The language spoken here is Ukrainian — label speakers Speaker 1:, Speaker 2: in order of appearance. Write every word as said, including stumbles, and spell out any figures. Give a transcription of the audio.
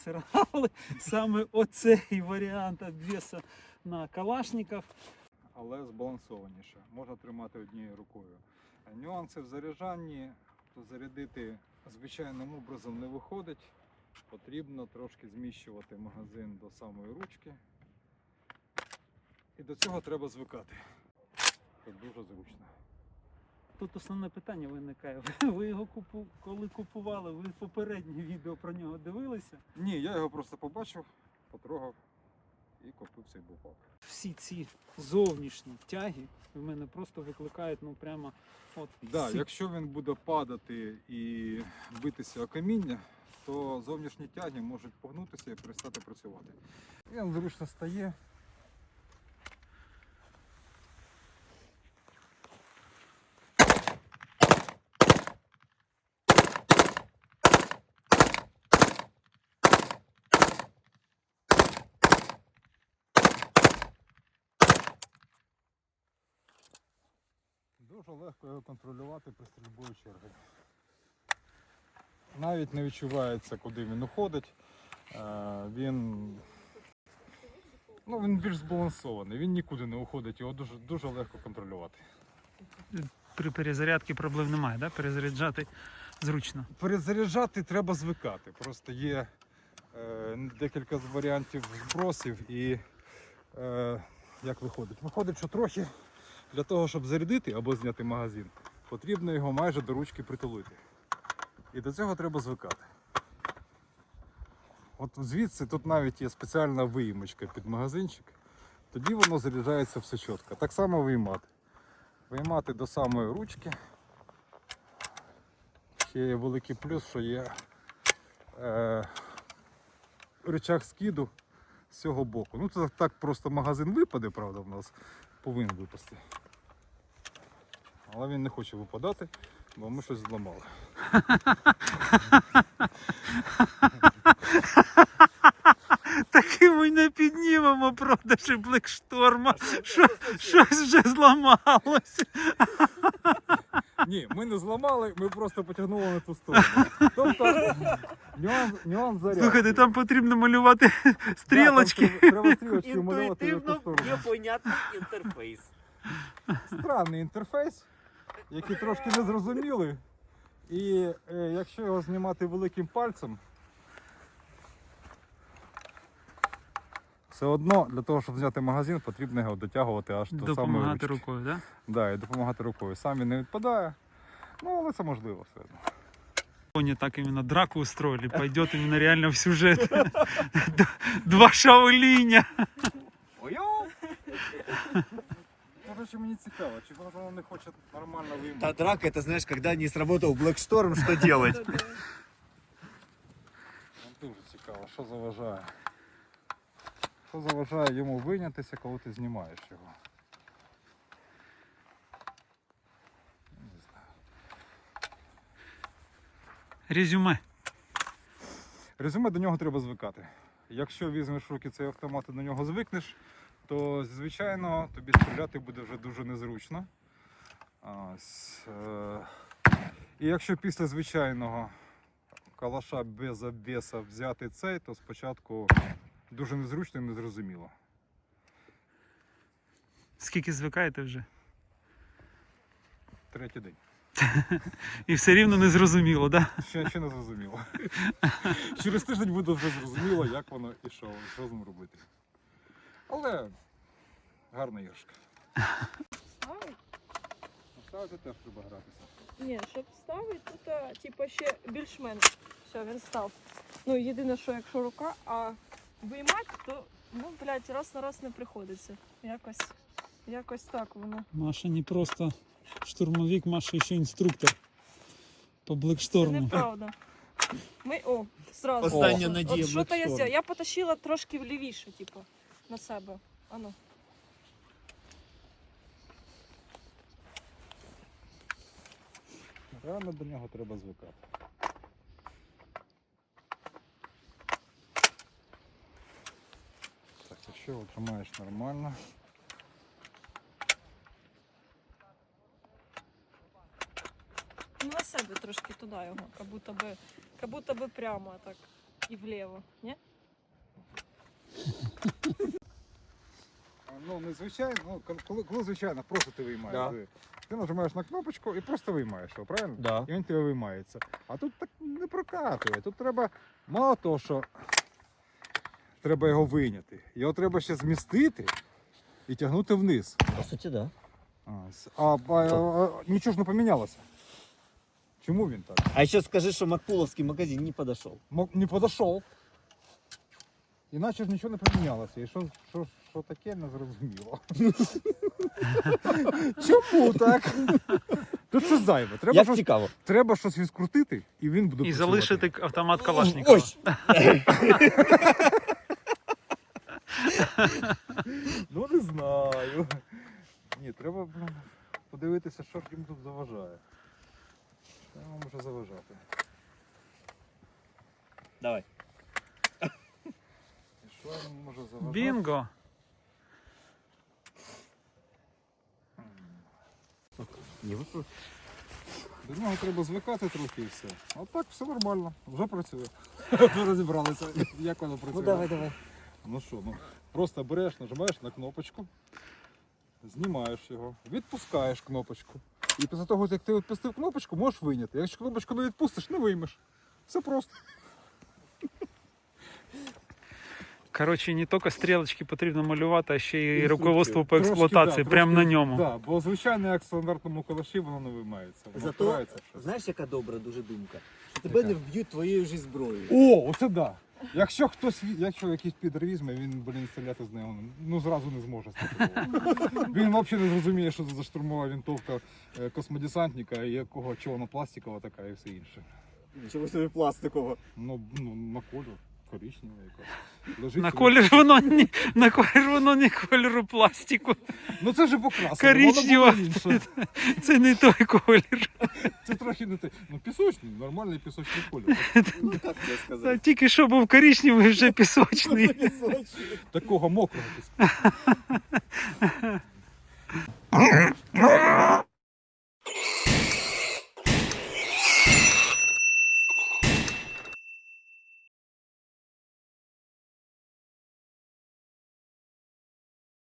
Speaker 1: просирали саме оцей варіант обвісу на Калашников.
Speaker 2: Але збалансованіше. Можна тримати однією рукою. Нюанси в заряджанні, то зарядити звичайним образом не виходить. Потрібно трошки зміщувати магазин до самої ручки. І до цього треба звикати. Це дуже зручно.
Speaker 1: Тут основне питання виникає. Ви його купу... коли купували, ви попереднє відео про нього дивилися?
Speaker 2: Ні, я його просто побачив, потрогав і купив цей бупак.
Speaker 1: Всі ці зовнішні тяги в мене просто викликають, ну прямо от.
Speaker 2: Да,
Speaker 1: ці-
Speaker 2: якщо він буде падати і битися о каміння, то зовнішні тяги можуть погнутися і перестати працювати. Він зручно стає. Дуже легко його контролювати при стрільбою черги. Навіть не відчувається, куди він уходить. Е, Він, ну, він більш збалансований, він нікуди не уходить, його дуже, дуже легко контролювати.
Speaker 1: При перезарядці проблем немає, да? Перезаряджати зручно.
Speaker 2: Перезаряджати треба звикати. Просто є е, декілька варіантів збросів і е, як виходить? Виходить, що трохи для того, щоб зарядити або зняти магазин, потрібно його майже до ручки притулити. І до цього треба звикати. От звідси тут навіть є спеціальна виїмочка під магазинчик. Тоді воно заряджається все чітко. Так само виймати. Виймати до самої ручки. Ще є великий плюс, що є е, рычаг скиду з цього боку. Ну це так просто магазин випаде, правда, в нас повинен випасти. Але він не хоче випадати, бо ми щось зламали.
Speaker 1: Таки ми не піднімемо продажі Блекшторма. Щось вже зламалося.
Speaker 2: Ні, ми не зламали, ми просто потягнули на ту сторону. Тобто нюанс, нюанс зарядки.
Speaker 1: Слухайте, там потрібно малювати стрілочки.
Speaker 2: Да, там треба стрілочки малювати на ту
Speaker 3: Інтуїтивно
Speaker 2: сторону.
Speaker 3: непонятний інтерфейс.
Speaker 2: Странний інтерфейс, який трошки незрозумілий. І е, якщо його знімати великим пальцем, все одно для того, щоб зняти магазин, потрібно його дотягувати аж до самої
Speaker 1: Допомагати
Speaker 2: ручки.
Speaker 1: рукою, так? Да?
Speaker 2: Да, і допомагати рукою. Сам він не відпадає, ну але це можливо все одно.
Speaker 1: Они так именно драку устроили, пойдет именно реально в сюжет. Два Шаолиня.
Speaker 3: Ой-ой!
Speaker 2: Короче, мені цікаво, чи воно не хоче нормально
Speaker 3: Та
Speaker 2: виймати.
Speaker 3: драка, это знаешь, когда не сработал Blackstorm, что делать?
Speaker 2: Дуже цікаво, що заважає. Що заважає йому вийнятися, коли ти знімаєш його. Не знаю.
Speaker 1: Резюме.
Speaker 2: Резюме, до нього треба звикати. Якщо візьмеш в руки цей автомат і до нього звикнеш, то звичайно тобі стріляти буде вже дуже незручно. Ось, е, і якщо після звичайного калаша без обвеса взяти цей, то спочатку дуже незручно і незрозуміло.
Speaker 1: Скільки звикаєте вже?
Speaker 2: Третій день.
Speaker 1: І все рівно не зрозуміло, да?
Speaker 2: Ще, ще не зрозуміло. Через тиждень буде вже зрозуміло, як воно і що, що з ним робити. Але гарна іграшка.
Speaker 4: Ставить?
Speaker 2: Ставити теж треба гратися.
Speaker 4: Ні, щоб ставити, тут а, типу, ще більш-менш. Все, він став. Ну, єдине, що якщо рука, а виймати, то, ну, блядь, раз на раз не приходиться. Якось, якось так воно.
Speaker 1: Маша не просто штурмовик, Маша ще інструктор по
Speaker 4: Це
Speaker 1: Блекшторму.
Speaker 4: неправда. Ми, о, зразу.
Speaker 3: Остання
Speaker 4: От-
Speaker 3: надія
Speaker 4: От що то я
Speaker 3: Blackstorm.
Speaker 4: зробила? Я потащила трошки влівіше, типу, на себе. Ану.
Speaker 2: Реально до нього треба звикати. Так, якщо його тримаєш нормально.
Speaker 4: Ну, на себе трошки туди його, як будто би, як будто би прямо так. і вліво, ні?
Speaker 2: Ну, не звичайно, ну, коли, коли звичайно, просто ти виймаєш.
Speaker 3: Да.
Speaker 2: Ти, ти нажимаєш на кнопочку і просто виймаєш його, правильно?
Speaker 3: Да.
Speaker 2: І він тебе виймається. А тут так не прокатує. Тут треба, мало того, що треба його вийняти. Його треба ще змістити і тягнути вниз.
Speaker 3: По суті, да.
Speaker 2: А, с- а, а, а, нічого ж не помінялося. Чому він так?
Speaker 3: А ще скажи, що Макпуловський магазин не подошел.
Speaker 2: Мо- Не подошов. Іначе ж нічого не помінялося. І що, що, що таке, не зрозуміло. Чому так? Тут щось зайве. Треба
Speaker 3: Як
Speaker 2: щось,
Speaker 3: цікаво.
Speaker 2: треба щось відкрутити, і він буде
Speaker 1: І
Speaker 2: працювати.
Speaker 1: залишити автомат Калашникова.
Speaker 3: Ось!
Speaker 2: Ну не знаю. Ні, треба блін, подивитися, що ж їм тут заважає. Що йому може заважати?
Speaker 3: Давай.
Speaker 2: І що йому може заважати?
Speaker 1: Бінго!
Speaker 3: Не випро-
Speaker 2: До нього треба звикати трохи і все. А так все нормально, вже працює. Ми розібралися, як воно працює.
Speaker 3: Ну давай, давай.
Speaker 2: Ну що, ну просто береш, нажимаєш на кнопочку, знімаєш його, відпускаєш кнопочку. І після того, як ти відпустив кнопочку, можеш вийняти. Якщо кнопочку не відпустиш, не виймеш. Все просто.
Speaker 1: Коротше, не тільки стрілочки потрібно малювати, а ще й
Speaker 2: Інструкцію.
Speaker 1: руководство по
Speaker 2: Трошки,
Speaker 1: експлуатації,
Speaker 2: да,
Speaker 1: прямо
Speaker 2: трошки,
Speaker 1: на ньому.
Speaker 2: Да, бо звичайно, як в стандартному калаші, воно не виймається. Воно
Speaker 3: Зато,
Speaker 2: впирається в щось.
Speaker 3: знаєш, яка добра дуже думка? Що
Speaker 2: Яка?
Speaker 3: тебе не вб'ють твоєю ж зброєю.
Speaker 2: О, оце да. Якщо хтось, ві- якщо якийсь підер візьме, він, блін, стріляти з нього ну зразу не зможе стріляти. Він взагалі не зрозуміє, що це за штурмова винтовка е, космодесантника, і якого чого вона пластикова така і все інше.
Speaker 3: Нічого собі пластикового.
Speaker 2: Ну, ну на колір, коричнева якась. Лежить
Speaker 1: На
Speaker 2: собі.
Speaker 1: колір воно не на колір воно не кольору пластику.
Speaker 2: Ну це вже покрасено,
Speaker 1: Коричнева.
Speaker 2: воно було інше.
Speaker 1: Це не той колір.
Speaker 2: Це трохи не те. Ну пісочний, нормальний пісочний колір.
Speaker 3: Ну як це
Speaker 1: Та
Speaker 3: сказати?
Speaker 1: тільки що був коричневий, вже пісочний.
Speaker 2: Такого мокрого піску.